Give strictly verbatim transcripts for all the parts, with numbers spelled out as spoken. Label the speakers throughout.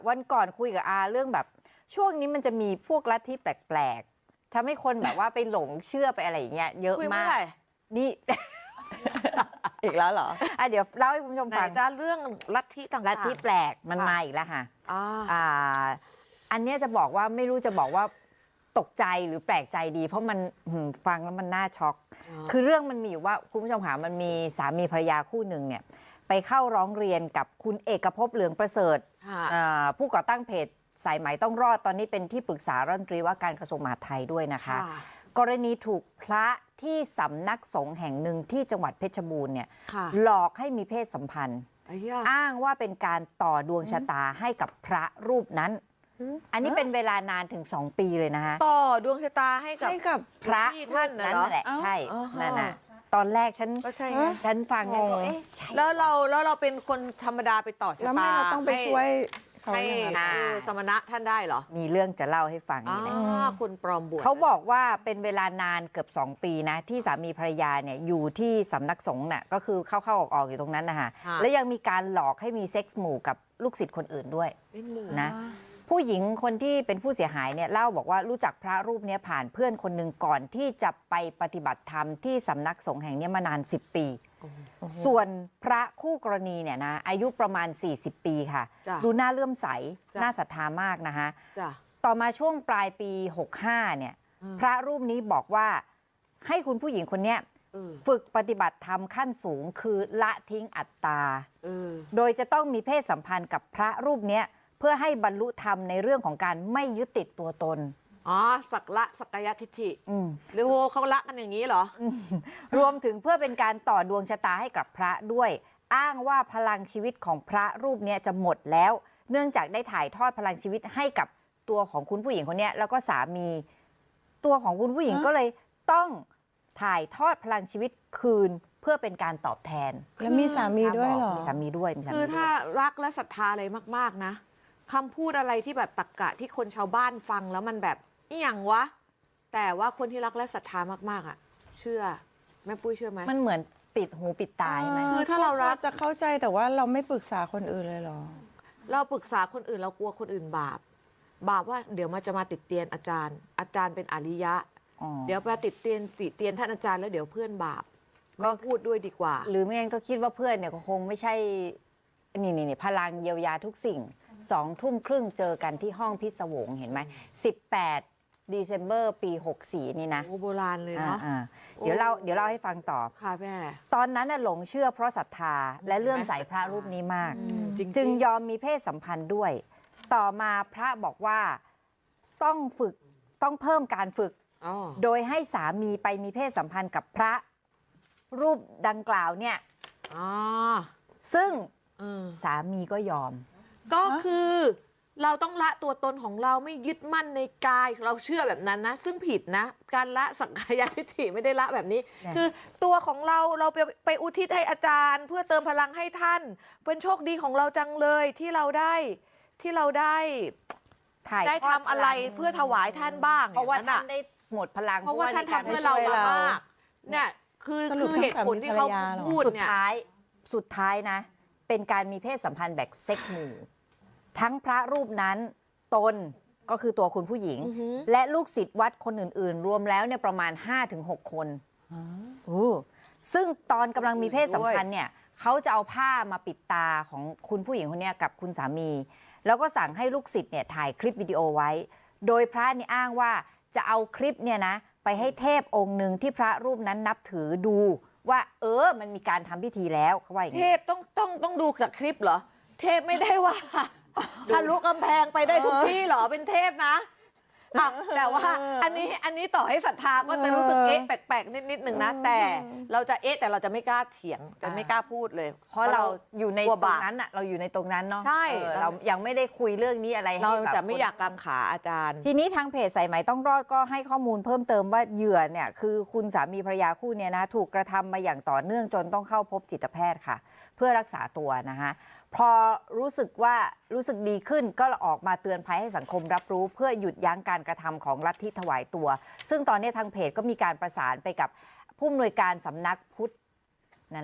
Speaker 1: วันก่อนคุยกับอาเรื่องแบบช่วงนี้มันจะมีพวกลัทธิแปลกๆทำให้คนแบบว่าไปหลงเชื่อไปอะไรอย่างเงี้ยเยอะมากนี่
Speaker 2: อีกแล้วเหรอ
Speaker 1: อ่ะเดี๋ยวเล่าให้คุณผู้ชมฟัง
Speaker 2: จะเรื่องลัทธิต่างๆ
Speaker 1: ลัทธิแปลกมันมาอีกแล้วค่ะอ่าอันนี้จะบอกว่าไม่รู้จะบอกว่าตกใจหรือแปลกใจดี เพราะมันฟังแล้วมันน่าช็อกคือเรื่องมันมีอยู่ว่าคุณผู้ชมค่ะมันมีสามีภรรยาคู่หนึ่งเนี่ยไปเข้าร้องเรียนกับคุณเอกภพเหลืองประเสริฐผู้ก่อตั้งเพจสายไหมต้องรอดตอนนี้เป็นที่ปรึกษารัฐมนตรีว่าการกระทรวงมหาดไทยด้วยนะคะกรณีถูกพระที่สำนักสงฆ์แห่งหนึ่งที่จังหวัดเพชรบูรณ์เนี่ยหลอกให้มีเพศสัมพันธ์อ้างว่าเป็นการต่อดวงชะตาให้กับพระรูปนั้นอันนี้เป็นเวลานานถึงสองปีเลยนะคะ
Speaker 2: ต่อดวงชะตาให้กับ
Speaker 1: กับพระท่านนั้นแหละใช่นั่นน่ะตอนแรกฉันฉันฟังแล้ว
Speaker 2: แล้วเราแล้วเราเป็นคนธรรมดาไปต่อชะตาแล้วไม่เรา
Speaker 3: ต้องไปช่วย
Speaker 2: ให้สมณะท่านได้เหรอ
Speaker 1: มีเรื่องจะเล่าให้ฟังนี่แหละ
Speaker 2: คนปลอมบวช
Speaker 1: เขาบอกว่าเป็นเวลานานเกือบสองปีนะที่สามีภรรยาเนี่ยอยู่ที่สำนักสงฆ์น่ะก็คือเข้าๆออกๆอยู่ตรงนั้นนะคะแล้วยังมีการหลอกให้มีเซ็กส์หมู่กับลูกศิษย์คนอื่นด้วยนะผู้หญิงคนที่เป็นผู้เสียหายเนี่ยเล่าบอกว่ารู้จักพระรูปนี้ผ่านเพื่อนคนหนึ่งก่อนที่จะไปปฏิบัติธรรมที่สำนักสงฆ์แห่งนี้มานานสิบปีส่วนพระคู่กรณีเนี่ยนะอายุประมาณสี่สิบปีค่ะดูน่าเลื่อมใสน่าศรัทธามากนะคะต่อมาช่วงปลายปีหกห้าเนี่ยพระรูปนี้บอกว่าให้คุณผู้หญิงคนนี้ฝึกปฏิบัติธรรมขั้นสูงคือละทิ้งอัตตาโดยจะต้องมีเพศสัมพันธ์กับพระรูปนี้เพื่อให้บรรลุธรรมในเรื่องของการไม่ยึดติดตัวตน
Speaker 2: อ๋อสักละสักยทิฏฐิหรือโหเขาละกันอย่างนี้เหรอ
Speaker 1: รวมถึงเพื่อเป็นการต่อดวงชะตาให้กับพระด้วยอ้างว่าพลังชีวิตของพระรูปนี้จะหมดแล้วเนื่องจากได้ถ่ายทอดพลังชีวิตให้กับตัวของคุณผู้หญิงคนนี้แล้วก็สามีตัวของคุณผู้หญิงก็เลยต้องถ่ายทอดพลังชีวิตคืนเพื่อเป็นการตอบแทน
Speaker 3: แล้วมีสามีด้วยเหรอ
Speaker 1: มีสามีด้วย
Speaker 2: คือถ้ารักและศรัทธาอะไรมากๆนะคำพูดอะไรที่แบบตรรกะที่คนชาวบ้านฟังแล้วมันแบบนี่อย่างวะแต่ว่าคนที่รักและศรัทธามากๆอ่ะเชื่อแม่ปุ้ยเชื่อไหม
Speaker 1: มันเหมือนปิดหูปิดตาใช่ไหม
Speaker 3: คือถ้าเรารักจะเข้าใจแต่ว่าเราไม่ปรึกษาคนอื่นเลยหรอ
Speaker 2: เราปรึกษาคนอื่นเรากลัวคนอื่นบาปบาปว่าเดี๋ยวมันจะมาติดเตียนอาจารย์อาจารย์เป็นอริยะเดี๋ยวมาติดเตียนติดเตียนท่านอาจารย์แล้วเดี๋ยวเพื่อนบาปก็พูดด้วยดีกว่า
Speaker 1: หรือไม่งั้นก็คิดว่าเพื่อนเนี่ยคงไม่ใช่นี่นี่พลังเยียวยาทุกสิ่งสองทุ่มครึ่งเจอกันที่ห้องพิศวงเห็นไหมสิบแปดเดซ ember ปีหกสี่นี่นะ
Speaker 2: โอ้โบราณเลยเนาะ
Speaker 1: เดี๋ยวเล่าเดี๋ยวเล่าให้ฟังต่อ
Speaker 2: ค่ะแม่
Speaker 1: ตอนนั้นน่ะหลงเชื่อเพราะศรัทธาและเลื่อมใสพระรูปนี้มากจึงยอมมีเพศสัมพันธ์ด้วยต่อมาพระบอกว่าต้องฝึกต้องเพิ่มการฝึกโดยให้สามีไปมีเพศสัมพันธ์กับพระรูปดังกล่าวเนี่ยซึ่งสามีก็ยอม
Speaker 2: ก็คือเราต้องละตัวตนของเราไม่ยึดมั่นในกายเราเชื่อแบบนั้นนะซึ่งผิดนะการละสักกายทิฏฐิไม่ได้ละแบบนี้คือตัวของเราเราไปไปอุทิศให้อาจารย์เพื่อเติมพลังให้ท่านเป็นโชคดีของเราจังเลยที่เราได้ที่เราได้ได้ทำอะไรเพื่อถวายท่านบ้าง
Speaker 1: เพราะว่าท่านได้หมดพลัง
Speaker 2: เพราะว่าท่านทำเพื่อเรามากเนี่ยคือคือเหตุผลที่เขาพูดเนี่ย
Speaker 1: สุดท้ายสุดท้ายนะเป็นการมีเพศสัมพันธ์แบบเซ็กหมู่ทั้งพระรูปนั้นตนก็คือตัวคุณผู้หญิงและลูกศิษย์วัดคนอื่นๆรวมแล้วเนี่ยประมาณ ห้าถึงหก คนซึ่งตอนกำลังมีเพศสัมพันธ์เนี่ยเขาจะเอาผ้ามาปิดตาของคุณผู้หญิงคนนี้กับคุณสามีแล้วก็สั่งให้ลูกศิษย์เนี่ยถ่ายคลิปวิดีโอไว้โดยพระนี่อ้างว่าจะเอาคลิปเนี่ยนะไปให้เทพองค์หนึ่งที่พระรูปนั้นนับถือดูว่าเออมันมีการทำพิธีแล้วเขาว่าอย่างนี้
Speaker 2: เทพต้องต้องต้องดูจากคลิปเหรอเทพไม่ได้ว่าทะลุกำแพงไปได้ทุกที่เหรอเป็นเทพนะแต่ว่าอันนี้อันนี้ต่อให้ศรัทธาก็จะรู้สึกเอ๊ะแปลกๆนิดๆหนึ่งนะแต่เราจะเอ๊ะแต่เราจะไม่กล้าเถียงจะไม่กล้าพูดเลย
Speaker 1: เพราะเราอยู่ในตรงนั้นอ่ะเราอยู่ในตรงนั้นเนาะ
Speaker 2: ใช่
Speaker 1: เรายังไม่ได้คุยเรื่องนี้อะไร
Speaker 2: เราจะไม่อยากกังขาอาจารย์
Speaker 1: ทีนี้ทางเพจสายไหมต้องรอดก็ให้ข้อมูลเพิ่มเติมว่าเหยื่อเนี่ยคือคุณสามีภรรยาคู่เนี่ยนะถูกกระทำมาอย่างต่อเนื่องจนต้องเข้าพบจิตแพทย์ค่ะเพื่อรักษาตัวนะคะพอรู้สึกว่ารู้สึกดีขึ้นก็ออกมาเตือนภัยให้สังคมรับรู้เพื่อหยุดยั้งการกระทำของลัทธิถวายตัวซึ่งตอนนี้ทางเพจก็มีการประสานไปกับผู้อำนวยการสำนักพุทธนั่นแหละ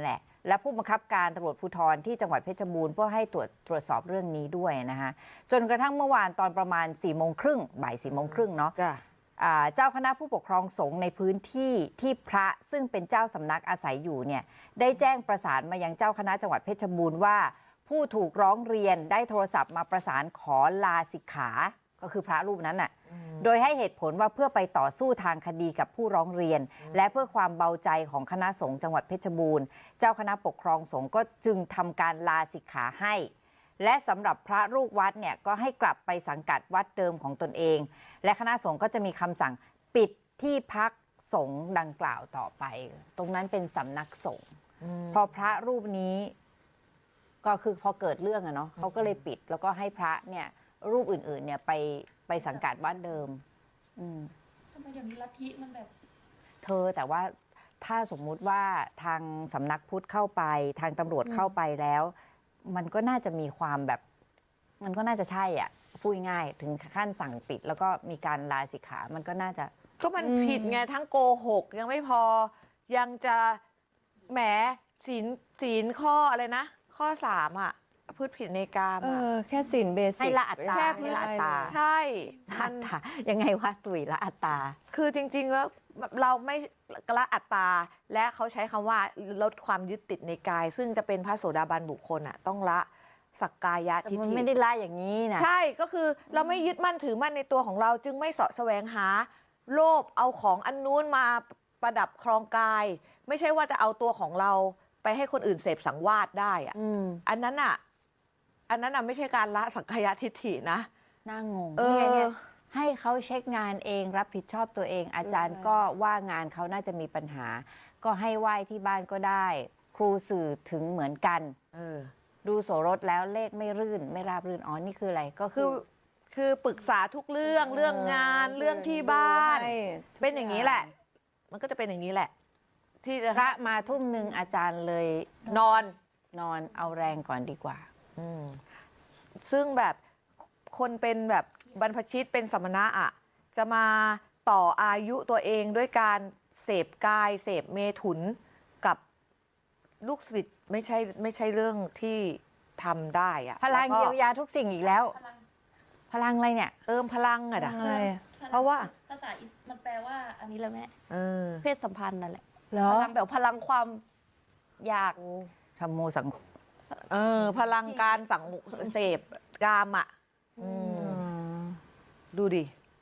Speaker 1: และผู้บังคับการตำรวจภูธรที่จังหวัดเพชรบูรณ์เพื่อให้ตรวจตรวจสอบเรื่องนี้ด้วยนะคะจนกระทั่งเมื่อวานตอนประมาณ4ี่โมงครึ่งบ่ายสี่โมงครึ่งเนาะเจ้าคณะผู้ปกครองสงฆ์ในพื้นที่ที่พระซึ่งเป็นเจ้าสำนักอาศัยอยู่เนี่ยได้แจ้งประสานมายังเจ้าคณะจังหวัดเพชรบูรณ์ว่าผู้ถูกร้องเรียนได้โทรศัพท์มาประสานขอลาสิกขาก็คือพระรูปนั้นน่ะโดยให้เหตุผลว่าเพื่อไปต่อสู้ทางคดีกับผู้ร้องเรียนและเพื่อความเบาใจของคณะสงฆ์จังหวัดเพชรบูรณ์เจ้าคณะปกครองสงฆ์ก็จึงทำการลาสิกขาให้และสำหรับพระลูกวัดเนี่ยก็ให้กลับไปสังกัดวัดเดิมของตนเองและคณะสงฆ์ก็จะมีคำสั่งปิดที่พักสงฆ์ดังกล่าวต่อไปตรงนั้นเป็นสำนักสงฆ์เพราะพระรูปนี้ก็คือพอเกิดเรื่องอะเนาะเขาก็เลยปิดแล้วก็ให้พระเนี่ยรูปอื่นๆเนี่ยไปไปสังกัดวัดเดิม
Speaker 4: ทำไมเดี๋ยวนี้ลัทธิมันแบบ
Speaker 1: เธอแต่ว่าถ้าสมมุติว่าทางสำนักพุทธเข้าไปทางตำรวจเข้าไปแล้ว มันก็น่าจะมีความแบบมันก็น่าจะใช่อ่ะพูดง่ายถึงขั้นสั่งปิด แล้วก็มีการลาสิกขามันก็น่าจะ
Speaker 2: ก็มันผิดไงทั้งโกหกยังไม่พอยังจะแหมศีลศีลข้ออะไรนะข้อสามอ่ะพูดผิดในกาม
Speaker 3: เออแค่สินเบสิก
Speaker 1: ให้ละอัตตา
Speaker 2: แค่
Speaker 1: ให้ละอัตตา
Speaker 2: ใช่
Speaker 1: ละอัตตายังไงวะตุ๋ยละอัตตา
Speaker 2: คือจริงๆแล้วเราไม่ละอัตตาและเขาใช้คำว่าลดความยึดติดในกาย ซึ่งจะเป็นพระโสดาบันบุคคลอ่ะต้องละสักกายทิฏฐิ
Speaker 1: มันไม่ได้ละอย่างนี้นะ
Speaker 2: ใช่ก็คือเราไม่ยึดมั่นถือมั่นในตัวของเราจึงไม่เสาะแสวงหาโลภเอาของอันนู้นมาประดับครองกาย ไม่ใช่ว่าจะเอาตัวของเราไปให้คนอื่นเสพสังวาสได้อ่ะอันนั้นอ่ะอันนั้นอ่ะไม่ใช่การละสักกายทิฏฐินะ
Speaker 1: น่างง
Speaker 2: เออ
Speaker 1: ให้เขาเช็คงานเองรับผิดชอบตัวเองอาจารย์ก็ว่างานเขาน่าจะมีปัญหาก็ให้ไหว้ที่บ้านก็ได้ครูสื่อถึงเหมือนกัน
Speaker 2: เออ
Speaker 1: ดูโสรถแล้วเลขไม่รื่นไม่ราบรื่นอ๋อนี่คืออะไรก็
Speaker 2: คือคือปรึกษาทุกเรื่องเรื่องงานเรื่องที่บ้านเป็นอย่างนี้แหละมันก็จะเป็นอย่างนี้แหละที่
Speaker 1: พระมาทุ่มหนึ่งอาจารย์เลย
Speaker 2: นอน
Speaker 1: นอนเอาแรงก่อนดีกว่า
Speaker 2: ซึ่งแบบคนเป็นแบบบรรพชิตเป็นสมณะอ่ะจะมาต่ออายุตัวเองด้วยการเสพกายเสพเมถุนกับลูกศิษย์ไม่ใช่ไม่ใช่เรื่องที่ทำได้อ่ะ
Speaker 1: พลังเยียวยาทุกสิ่งอีกแล้วพลังอะไรเนี่ย
Speaker 2: เติมพลังอะ
Speaker 3: อะไร
Speaker 2: เพราะว่า
Speaker 4: ภาษามันแปลว่าอันนี้แหละแม่
Speaker 2: เพ
Speaker 4: ศสัมพันธ์นั่นแหละ
Speaker 1: พ
Speaker 4: ลังแบบพลังความอยาก
Speaker 1: ธรรมโมสัง
Speaker 2: เออพลังการสังเสพกามอ่ะดูดิ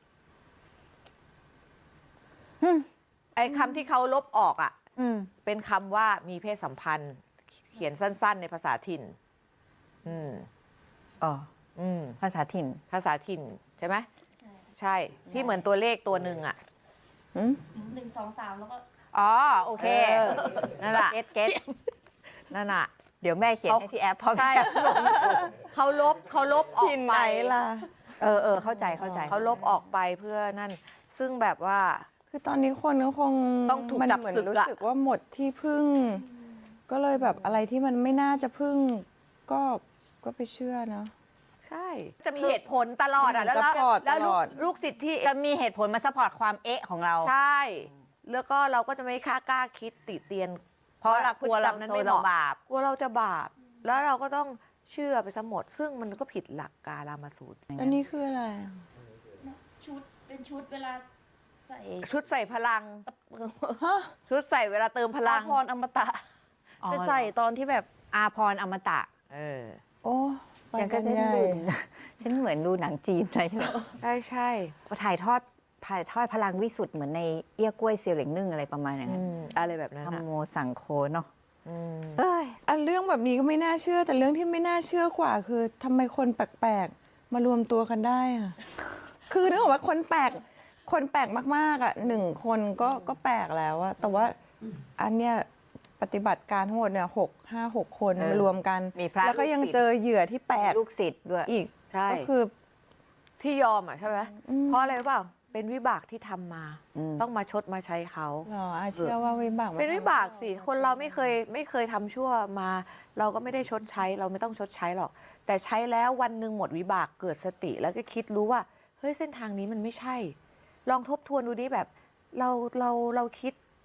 Speaker 2: ไอ้คำที่เขาลบออกอ่ะเป็นคำว่ามีเพศสัมพันธ์เขียนสั้นๆในภาษาถิ่นอืม
Speaker 1: อ๋ออืมภาษาถิ่น
Speaker 2: ภาษาถิ่นใช่ไหมใช่ที่เหมือนตัวเลขตัวหนึ่งอ่ะ
Speaker 4: หนึ่งสองสามแล้วก็
Speaker 1: อ๋อโอเค
Speaker 2: นั่นแหละ
Speaker 1: เก็ตเก็ต
Speaker 2: นั่นน่ะ
Speaker 1: เดี๋ยวแม่เขียนให้ที่แอปเพราะ
Speaker 2: ใช่เขาลบเขาลบออกไป
Speaker 3: ล่ะ
Speaker 1: เออเออเข้าใจเข้าใจ
Speaker 2: เขาลบออกไปเพื่อนั่นซึ่งแบบว่า
Speaker 3: คือตอนนี้คนก็คง
Speaker 2: ต้องถูกจับศึก
Speaker 3: รู้สึกว่าหมดที่พึ่งก็เลยแบบอะไรที่มันไม่น่าจะพึ่งก็ก็ไปเชื่อเนาะ
Speaker 2: ใช่จะมีเหตุผลตลอดอ่ะแล้วแล้วลูกศิษย์ที่
Speaker 1: จะมีเหตุผลมาซัพพอร์ตความเอ๊ะของเรา
Speaker 2: ใช่แล้วก็เราก็จะไม่ค่ากล้าคิดติเตียน
Speaker 1: เพราะเรากลัวเรานั้นไม่บาป
Speaker 2: กลัวเราจะบาปแล้วเราก็ต้องเชื่อไปซะหมดซึ่งมันก็ผิดหลักกาลามาสูตร
Speaker 3: อันนี้คืออะไร
Speaker 4: ชุดเป็นชุดเวลาใส่
Speaker 2: ชุดใส่พลังชุดใส่เวลาเติมพลัง
Speaker 4: อาพรอมตะไปใส่ตอนที่แบบ
Speaker 1: อาพรอมตะ
Speaker 2: เออ
Speaker 3: โอ้
Speaker 1: ยังก็ได้ดูฉันเหมือนดูหนังจีนอะไร
Speaker 2: ใช่ใช่
Speaker 1: ถ่ายทอดถ่ายทอดพลังวิสุทธ์เหมือนในเอี้ยกล้วยเซียวเหล็งนึ่งอะไรประมาณนั้น
Speaker 2: อะไรแบบนั้น
Speaker 1: ธรรมโมสังโฆเนาะ
Speaker 3: เอ้ยอันเรื่องแบบนี้ก็ไม่น่าเชื่อแต่เรื่องที่ไม่น่าเชื่อกว่าคือทำไมคนแปลกๆมารวมตัวกันได้อะคือนึกออกว่าคนแปลกคนแปลกมากๆอ่ะหนึ่งคนก็ก็แปลกแล้วอะแต่ว่าอันเนี้ยปฏิบัติการทั้งหมดเนี่ยหกห้าหกคนมารวมกันแล้วก็ยังเจอเหยื่อที่แปลก
Speaker 1: ลูกศิษย์ด้วย
Speaker 3: อีก
Speaker 2: ก็
Speaker 3: คือ
Speaker 2: ที่ยอมอ่ะใช่ไหมเพราะอะไรเปล่าเป็นวิบากที่ทำมาต้องมาชดมาใช้เขา
Speaker 3: หรอเชื่อว่าวิบาก
Speaker 2: เป็นวิบากสิคนเราไม่เคยไม่เคยทำชั่วมา เราก็ไม่ได้ชดใช้เราไม่ต้องชดใช้หรอกแต่ใช้แล้ววันหนึ่งหมดวิบากเกิดสติแล้วก็คิดรู้ว่าเฮ้ยเส้นทางนี้มันไม่ใช่ลองทบทวนดูดิแบบเราเราเราคิด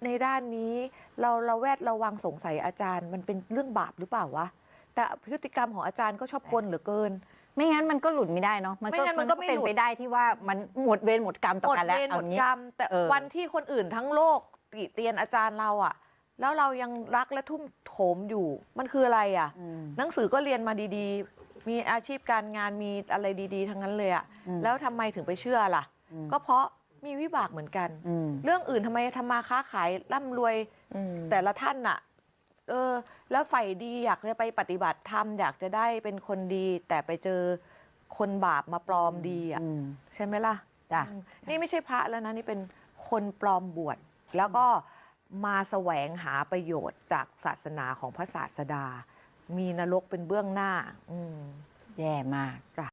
Speaker 2: ในด้านนี้เราเราแวดระวังสงสัยอาจารย์มันเป็นเรื่องบาปหรือเปล่าวะแต่พฤติกรรมของอาจารย์ก็ชอบกลเหลือเกิน
Speaker 1: ไม่งั้นมันก็หลุดไม่ได้เนาะ
Speaker 2: ไม่งั้นมันก็ไม่
Speaker 1: เป็น
Speaker 2: หลุด
Speaker 1: ไปได้ที่ว่ามันหมดเวรหมดกรรมต่อ
Speaker 2: หมด
Speaker 1: กันแล้ว
Speaker 2: เวรหม
Speaker 1: เอา
Speaker 2: ด
Speaker 1: งี้
Speaker 2: กรรม แต่
Speaker 1: เออ
Speaker 2: วันที่คนอื่นทั้งโลกติเตียนอาจารย์เราอะแล้วเรายังรักและทุ่มโถมอยู่มันคืออะไรอะ
Speaker 1: อืม
Speaker 2: หนังสือก็เรียนมาดีๆ มีอาชีพการงานมีอะไรดีๆ ทั้งนั้นเลยอะ
Speaker 1: อืม
Speaker 2: แล้วทำไมถึงไปเชื่อล่ะ
Speaker 1: อืม
Speaker 2: ก็เพราะมีวิบากเหมือนกัน
Speaker 1: อืม
Speaker 2: เรื่องอื่นทำไมทำมาค้าขายร่ำรวย
Speaker 3: อืม
Speaker 2: แต่ละท่านน่ะ เออ แล้วใฝ่ดีอยากจะไปปฏิบัติธรรมอยากจะได้เป็นคนดี แต่ไปเจอคนบาปมาปลอมดีอ่ะ
Speaker 1: อืม
Speaker 2: ใช่ไหมล่ะ
Speaker 1: จ้ะ
Speaker 2: อืมนี่ไม่ใช่พระแล้วนะ นี่เป็นคนปลอมบวชแล้วก็มาแสวงหาประโยชน์จากศาสนาของพระศาสดา มีนรกเป็นเบื้องหน้า อืม
Speaker 1: แย่มาก
Speaker 2: จ้ะ